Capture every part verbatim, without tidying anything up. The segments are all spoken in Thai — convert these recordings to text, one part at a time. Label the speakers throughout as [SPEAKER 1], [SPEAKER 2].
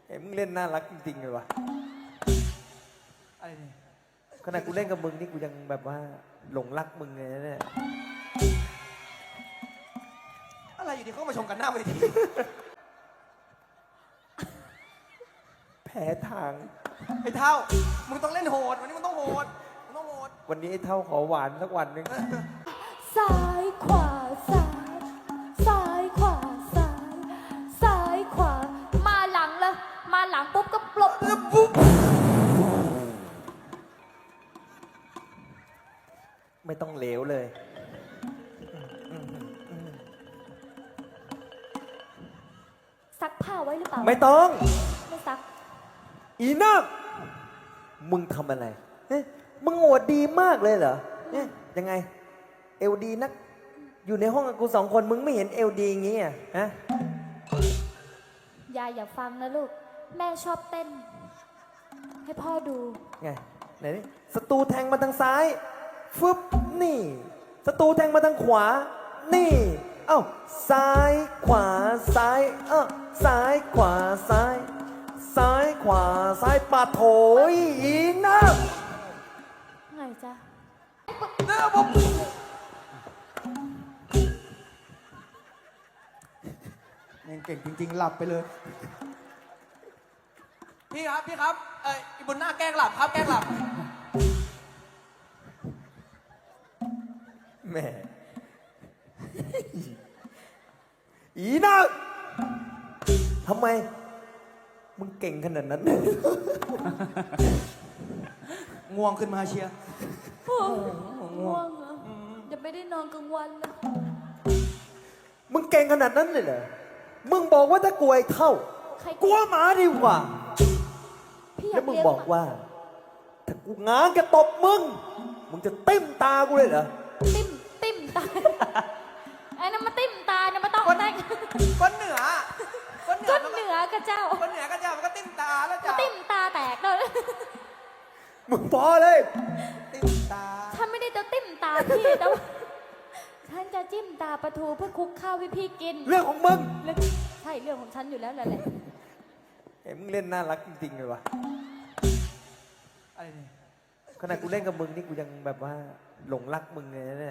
[SPEAKER 1] เอ้มึงเล่นน่ารักจริงๆเลยวะ
[SPEAKER 2] อะไรเนี่ย
[SPEAKER 1] ขนาดกูเล่นกับมึงนี่กูยังแบบว่าหลงรักมึงเลยนะเนี่ย
[SPEAKER 2] อะไรอยู่ดีเขามาชมกันหน้าเวที
[SPEAKER 1] แพ้ทาง
[SPEAKER 2] ไอ้เท่ามึงต้องเล่นโหดวันนี้มึงต้องโหดมึงต้องโหด
[SPEAKER 1] วันนี้ไอ้เท่าขอหวานสักวันหนึ่ง
[SPEAKER 3] ซ้ายขวาซ้ายซ้ายขวาซ้ายซ้ายขวามาหลังเลยมาหลังปุ๊บก็ปลบ
[SPEAKER 2] ปุ๊บ
[SPEAKER 1] ไม่ต้องเหลวเลย
[SPEAKER 3] ซักผ้าไว้หรือเปล่า
[SPEAKER 1] ไม่ต้อง
[SPEAKER 3] ไม่ซัก
[SPEAKER 1] อีนักมึงทำอะไรเอ๊ะมึงโหดดีมากเลยเหรอเอ๊ะยังไง เอลดีนัก อยู่ในห้องกับกูสองคนมึงไม่เห็นเอลดีอย่างงี้อ่ะฮะ
[SPEAKER 3] ยายอย่าฟังนะลูกแม่ชอบเต้น ให้พ่อดู
[SPEAKER 1] ไงไหนดิศัตรูแทงมาทางซ้ายฟึบนี่ศัตรูแทงมาทางขวา นี่ เอ้าซ้ายขวาซ้ายเอ้าซ้ายขวาซ้าย ซ้ายขวาซ้ายปาโถยอีนัก
[SPEAKER 3] ไงจ๊ะ
[SPEAKER 2] เนื้อผมยังเก่งจริงๆหลับไปเลย พี่ครับพี่ครับเอ้ยอีบนหน้าแกล้งหลับครับแกล้งหลับ
[SPEAKER 1] แหม่ อีนักทำไม มึงเก่งขนาดนั้น
[SPEAKER 2] ง่วงขึ้นมาเชียร์
[SPEAKER 3] ง่วงเหรอจะไม่ได้นอนกลางวันเลย
[SPEAKER 1] มึงเก่งขนาดนั้นเลยเหรอ มึงบอกว่าถ้ากลัวไอ้เท่า
[SPEAKER 3] ใคร
[SPEAKER 1] กลัวหมาดีกว่า
[SPEAKER 3] พี่อ
[SPEAKER 1] แล้
[SPEAKER 3] ยาว ก
[SPEAKER 1] มึง
[SPEAKER 3] เลี้ยง
[SPEAKER 1] บอกว่า ถ้ากูง้างจะตบมึง มึงจะติ้มตากูเลยเหรอ
[SPEAKER 3] ติ้มติ้มตาไอ้นั่นมาติ้มตาเนี่ยมาต้อง
[SPEAKER 2] คน
[SPEAKER 3] ได้
[SPEAKER 2] คนเหนือคนเหนื
[SPEAKER 3] ก้
[SPEAKER 2] อน
[SPEAKER 3] เหนือกับเจ้า
[SPEAKER 2] คนเหนือก็จะมันก็ติ้มตาแล้ว
[SPEAKER 3] มา
[SPEAKER 2] จ้า
[SPEAKER 3] ติ้มตาแตกเลย
[SPEAKER 1] มึงพอเลย
[SPEAKER 2] ติ้มตา
[SPEAKER 3] ฉันไม่ได้จะติ้มตาพี่แต่ว่าฉันจะจิ้มตาปลาทูเพื่อคลุกข้าวให้พี่กิน
[SPEAKER 1] เรื่องของมึง
[SPEAKER 3] เรื่องใช่เรื่องของฉันอยู่แล้วแหละแหละ
[SPEAKER 1] เอ้มึงเล่นน่ารักจริงๆเลยวะ
[SPEAKER 2] อะไรเนี่ย
[SPEAKER 1] ขนาดกูเล่นกับมึงนี่กูยังแบบว่าหลงรักมึงเลยนะเนี่ย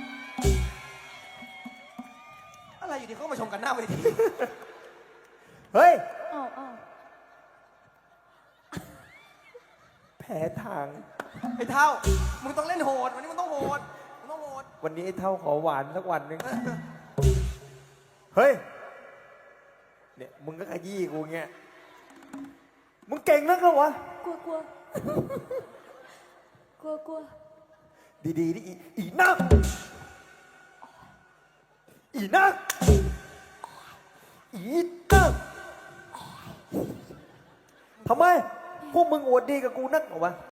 [SPEAKER 2] อะไรอยู่ดีเขามาชมกันหน้าเวที
[SPEAKER 1] เฮ้ย
[SPEAKER 3] อ้าวอ้าว
[SPEAKER 1] แพ้ทาง
[SPEAKER 2] ไอ้เท่ามึงต้องเล่นโหดวันนี้มึงต้องโหดมึงต้องโหด
[SPEAKER 1] วันนี้ไอ้เท่าขอหวานสักวันหนึ่ง เฮ้ย เนี่ยมึงก็ขยี้กูเงี้ย มึงเก่งนักเหรอวะ
[SPEAKER 3] กลัวกลัวกลัวกลัว
[SPEAKER 1] ดีๆดิอีอีนัก อีนัก อีนักทำไม พวกมึงอวดดีกับกูนักเหรอวะ